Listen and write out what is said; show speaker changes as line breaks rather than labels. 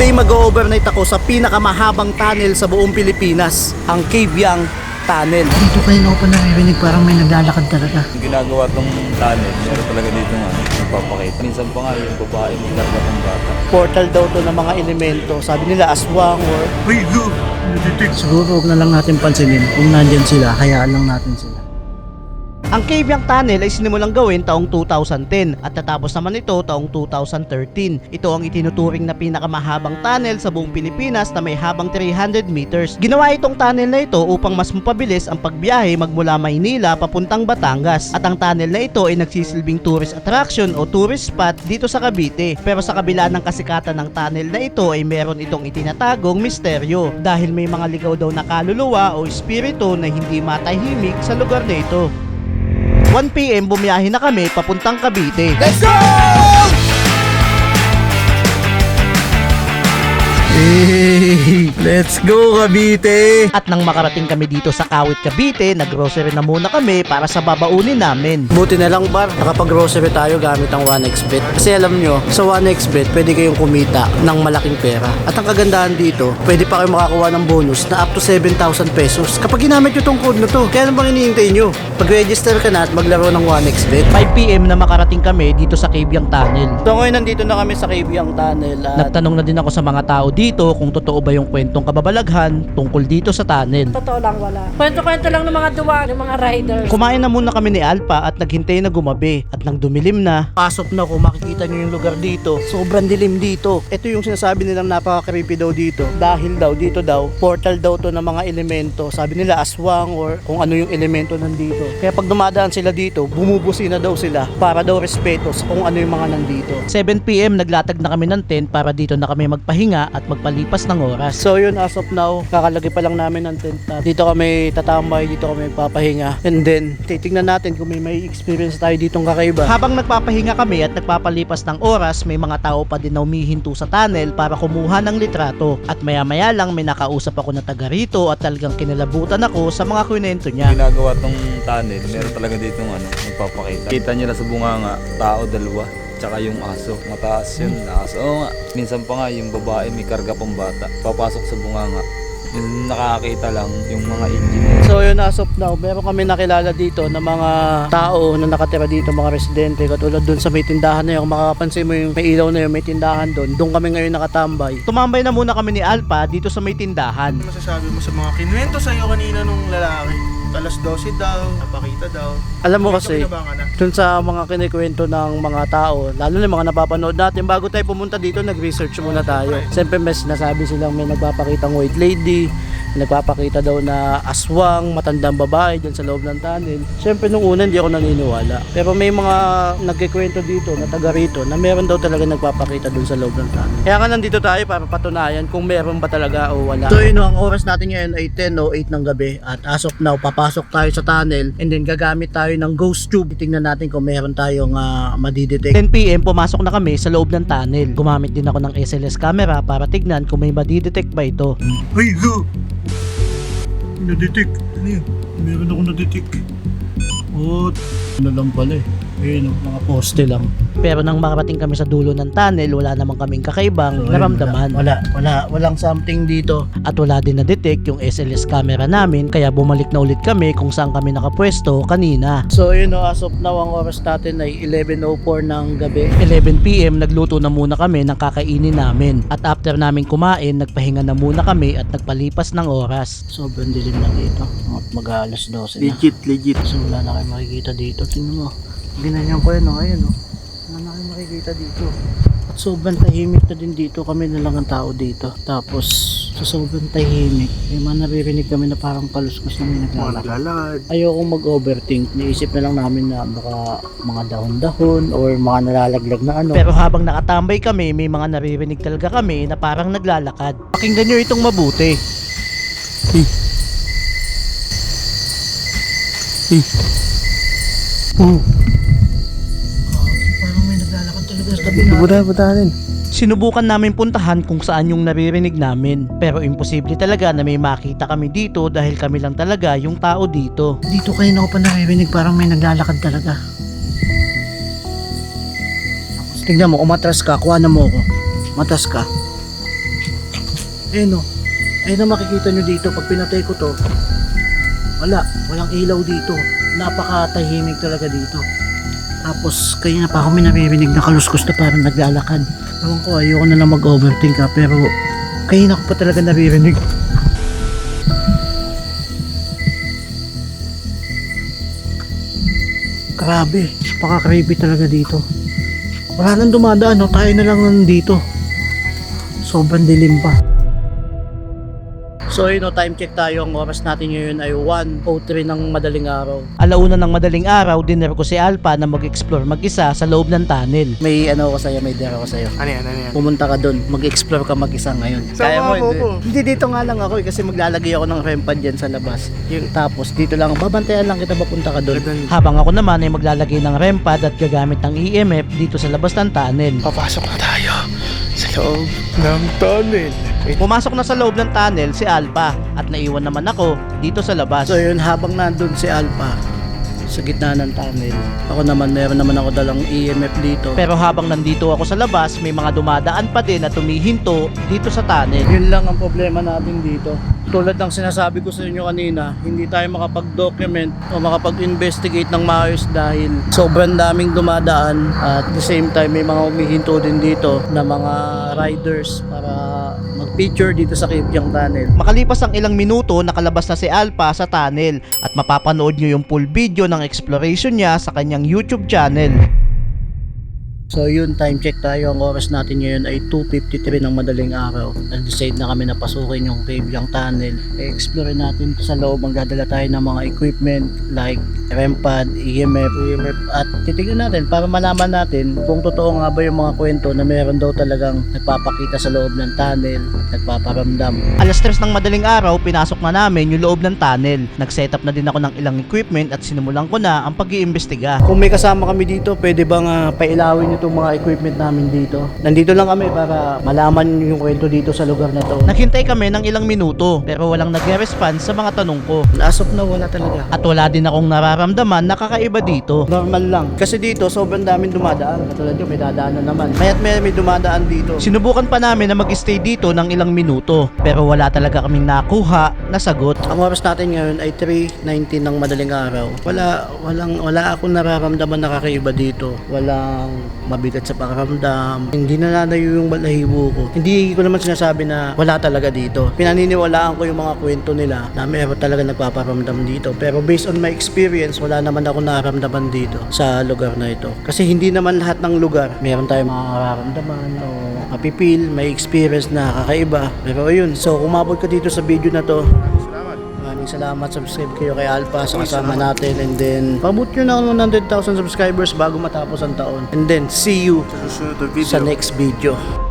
Today mag-overnight ako sa pinakamahabang tunnel sa buong Pilipinas, ang Cavyang Tunnel.
Dito kayo ako pa naririnig parang may naglalakad talaga.
Yung ginagawa tong tunnel, meron talaga dito nga nagpapakita. Minsan pa nga yung babae may karga ng bata.
Portal daw to ng mga elemento. Sabi nila aswang or
Siguro huwag na lang natin pansinin kung nandyan sila, hayaan lang natin sila.
ang Cavyang Tunnel ay sinimulang gawin taong 2010 at natapos naman ito taong 2013. Ito ang itinuturing na pinakamahabang tunnel sa buong Pilipinas na may habang 300 meters. Ginawa itong tunnel na ito upang mas mapabilis ang pagbiyahe magmula Maynila papuntang Batangas. At ang tunnel na ito ay nagsisilbing tourist attraction o tourist spot dito sa Cavite. Pero sa kabila ng kasikatan ng tunnel na ito ay meron itong itinatagong misteryo dahil may mga ligaw daw na kaluluwa o espiritu na hindi matahimik sa lugar na ito. 1 PM bumiyahe na kami papuntang Cavite. Let's go!
Hey, let's go Cavite!
At nang makarating kami dito sa Kawit, Cavite, nag-grocery na muna kami para sa babaunin namin.
Buti na lang bar, nakapag-grocery tayo gamit ang 1xBet. Kasi alam nyo, sa 1xBet pwede kayong kumita ng malaking pera. At ang kagandahan dito, pwede pa kayo makakuha ng bonus na up to 7,000 pesos kapag ginamit nyo tong code na to. Kaya ano bang hinihintay nyo? Mag-register ka na at maglaro ng 1xBet.
5 PM na makarating kami dito sa Cavyang Tunnel.
So ngayon nandito na kami sa Cavyang Tunnel at
Nagtanong na din ako sa mga tao dito kung totoo ba yung kwentong kababalaghan tungkol dito sa tunnel.
Totoo lang, wala. Kwento-kwento lang ng mga duwa, ng mga riders.
Kumain na muna kami ni Alpha at naghintay na gumabi. At nang dumilim na,
pasok na kung makikita nyo yung lugar dito. Sobrang dilim dito. Ito yung sinasabi nilang napaka-creepy daw dito. Dahil daw, dito daw, portal daw to ng mga elemento. Sabi nila aswang or kung ano yung elemento nandito. Kaya pag dumadaan sila dito, bumubusi na daw sila para daw respeto sa kung ano yung mga nandito.
7 PM naglatag na kami ng tent para dito na kami magpahinga at magpalipas ng oras.
So yun, as of now, kakalagay pa lang namin ng tent. Dito kami tatambay, dito kami papahinga. And then, titignan natin kung may experience tayo ditong kakaiba.
Habang nagpapahinga kami at nagpapalipas ng oras, may mga tao pa din na humihinto sa tunnel para kumuha ng litrato. At maya-maya lang may nakausap ako na taga rito at talagang kinalabutan ako sa mga kwento niya.
Ginagawa tong tunnel, meron talaga dito nagpapakita. Kita nyo na sa bunganga, tao dalawa. Tsaka yung aso, mataas yun, aso. Oo nga, minsan pa nga yung babae may karga pang bata, papasok sa bunganga. Yung nakakita lang yung mga engineer.
So yun, as of now, meron kami nakilala dito na mga tao na nakatira dito, mga residente, katulad dun sa may tindahan na yun. Kung makakapansin mo yung may ilaw na yun, may tindahan doon kami ngayon nakatambay.
Tumambay na muna kami ni Alpha dito sa may tindahan.
Ano masasabi mo sa mga kinuwento sa'yo kanina nung lalaki? Alas 12 daw, napakita daw.
Alam mo
Ito,
kasi,
binabangan na.
dun sa mga kinikwento ng mga tao, lalo na yung mga napapanood natin, bago tayo pumunta dito, nag-research muna tayo. Siyempre may sinasabi silang may nagpapakitang white lady, nagpapakita daw na aswang, matandang babae dyan sa loob ng tunnel. Siyempre nung una hindi ako naniniwala. Pero may mga nagkikwento dito na taga rito na meron daw talaga nagpapakita dun sa loob ng tunnel. Kaya nga nandito tayo para patunayan kung meron ba talaga o wala. So yun, ang oras natin ngayon ay 10:08 ng gabi at as of now, papasok tayo sa tunnel and then gagamit tayo ng ghost tube. Titingnan natin kung meron tayong madidetect.
10 PM pumasok na kami sa loob ng tunnel. Gumamit din ako ng SLS camera para tignan kung may madidetect ba ito.
Ay, go! Na-detect. Ano yun? Meron ako na-detect.
Oh, ano lang pala eh. Ayun, mga poste lang.
Pero nang makarating kami sa dulo ng tunnel, wala naman kaming kakaibang naramdaman.
Walang something dito.
At wala din na-detect yung SLS camera namin, kaya bumalik na ulit kami kung saan kami nakapwesto kanina.
So yun, as of now, ang oras natin ay 11:04 ng gabi.
11 PM nagluto na muna kami ng kakainin namin. At after namin kumain, nagpahinga na muna kami at nagpalipas ng oras.
Sobrang dilim na dito. Mag-alas 12 na.
Legit.
So wala na kayo makikita dito. Tingnan mo. Ginanyan ko yun, ayun o. Wala na kayo makikita dito. At sobrang tahimik na din dito. Kami na lang ang tao dito. Tapos, sa sobrang tahimik, may mga naririnig kami na parang kaluskos na may
Mga
naglalakad.
naglalakad.
Ayokong mag-overthink. Naisip na lang namin na baka mga dahon-dahon or mga nalalaglag na ano.
Pero habang nakatambay kami, may mga naririnig talaga kami na parang naglalakad. Pakinggan nyo itong mabuti.
Parang may naglalakad talaga sa tabi natin.
Butanin.
Sinubukan namin puntahan kung saan yung naririnig namin. Pero imposible talaga na may makita kami dito dahil kami lang talaga yung tao dito.
Dito kayo na ako pa naririnig parang may naglalakad talaga. Tignan mo, umatras ka, kuha na mo ako. Matas ka. no. Ayun na makikita nyo dito. Pag pinatay ko to, walang ilaw dito. Napakatahimik talaga dito. Tapos kaya pa ako may naririnig na kaluskos na parang naglalakad. Ewan ko, ayoko na lang mag-overthink ha, pero kaya na ko pa talaga naririnig. Grabe, napaka-creepy talaga dito. Wala nang dumadaan, no? Tayo na lang nandito. Sobrang dilim pa. So yun, time check tayo. Ang oras natin ngayon ay 1:03 ng madaling araw.
Alauna ng madaling araw, dinner ko si Alpha na mag-explore mag-isa sa loob ng tunnel.
May ano ko sa'yo, may dare ko sa'yo.
Ano yan?
Pumunta ka doon, mag-explore ka mag-isa ngayon.
Sama mo ko.
Hindi, dito nga lang ako kasi maglalagay ako ng REM pad dyan sa labas. Tapos dito lang, babantayan lang kita papunta ka doon.
Habang ako naman ay maglalagay ng REM pad at gagamit ng EMF dito sa labas ng tunnel.
Papasok na tayo sa loob ng tunnel.
Pumasok na sa loob ng tunnel si Alpha at naiwan naman ako dito sa labas.
So yun, habang nandun si Alpha sa gitna ng tunnel, ako naman, meron naman ako dalang EMF dito.
Pero habang nandito ako sa labas, may mga dumadaan pa din na tumihinto dito sa tunnel.
Yun lang ang problema natin dito. Tulad ng sinasabi ko sa inyo kanina, hindi tayo makapag-document o makapag-investigate ng maayos dahil sobrang daming dumadaan at the same time may mga umihinto din dito na mga riders para mag-picture dito sa Kibyang Tunnel.
Makalipas ang ilang minuto, nakalabas na si Alpha sa tunnel at mapapanood nyo yung full video ng exploration niya sa kanyang YouTube channel.
So yun, time check tayo. Ang oras natin ngayon ay 2:53 ng madaling araw. Nag-decide na kami na pasukin yung Kibyang Tunnel. I-explore natin sa loob. Magdadala tayo ng mga equipment like REM pad, EMF, at titignan natin para malaman natin kung totoo nga ba yung mga kwento na meron daw talagang nagpapakita sa loob ng tunnel, nagpaparamdam.
Alas 3 ng madaling araw, pinasok na namin yung loob ng tunnel. Nag-setup na din ako ng ilang equipment at sinimulan ko na ang pag-iimbestiga.
Kung may kasama kami dito, pwede bang pailawin itong mga equipment namin dito? Nandito lang kami para malaman yung kwento dito sa lugar na to.
Naghintay kami ng ilang minuto pero walang nagre-response sa mga tanong ko.
As of now, wala talaga.
At wala din akong nararamdaman na kakaiba dito.
Normal lang. Kasi dito, sobrang daming dumadaan. Katulad yun, may dadaanan naman. Maya't may dumadaan dito.
Sinubukan pa namin na mag-stay dito ng ilang minuto pero wala talaga kaming nakuha na sagot.
Ang oras natin ngayon ay 3:19 ng madaling araw. Wala akong nararamdaman na kakaiba dito. Walang mabigat sa pakiramdam. Hindi nananayo yung balahibo ko. Hindi ko naman sinasabi na wala talaga dito. Pinaniniwalaan ko yung mga kwento nila na meron talaga nagpaparamdam dito. Pero based on my experience, wala naman ako nararamdaman dito sa lugar na ito. Kasi hindi naman lahat ng lugar meron tayong mga nararamdaman o mapipil, may experience na kakaiba. Pero ayun, so kumabot ka dito sa video na to. Maraming salamat. Subscribe kayo kay Alpha sa kasama natin, and then pabot nyo na ng 100,000 subscribers bago matapos ang taon, and then see you
Susunod na video.
sa next video.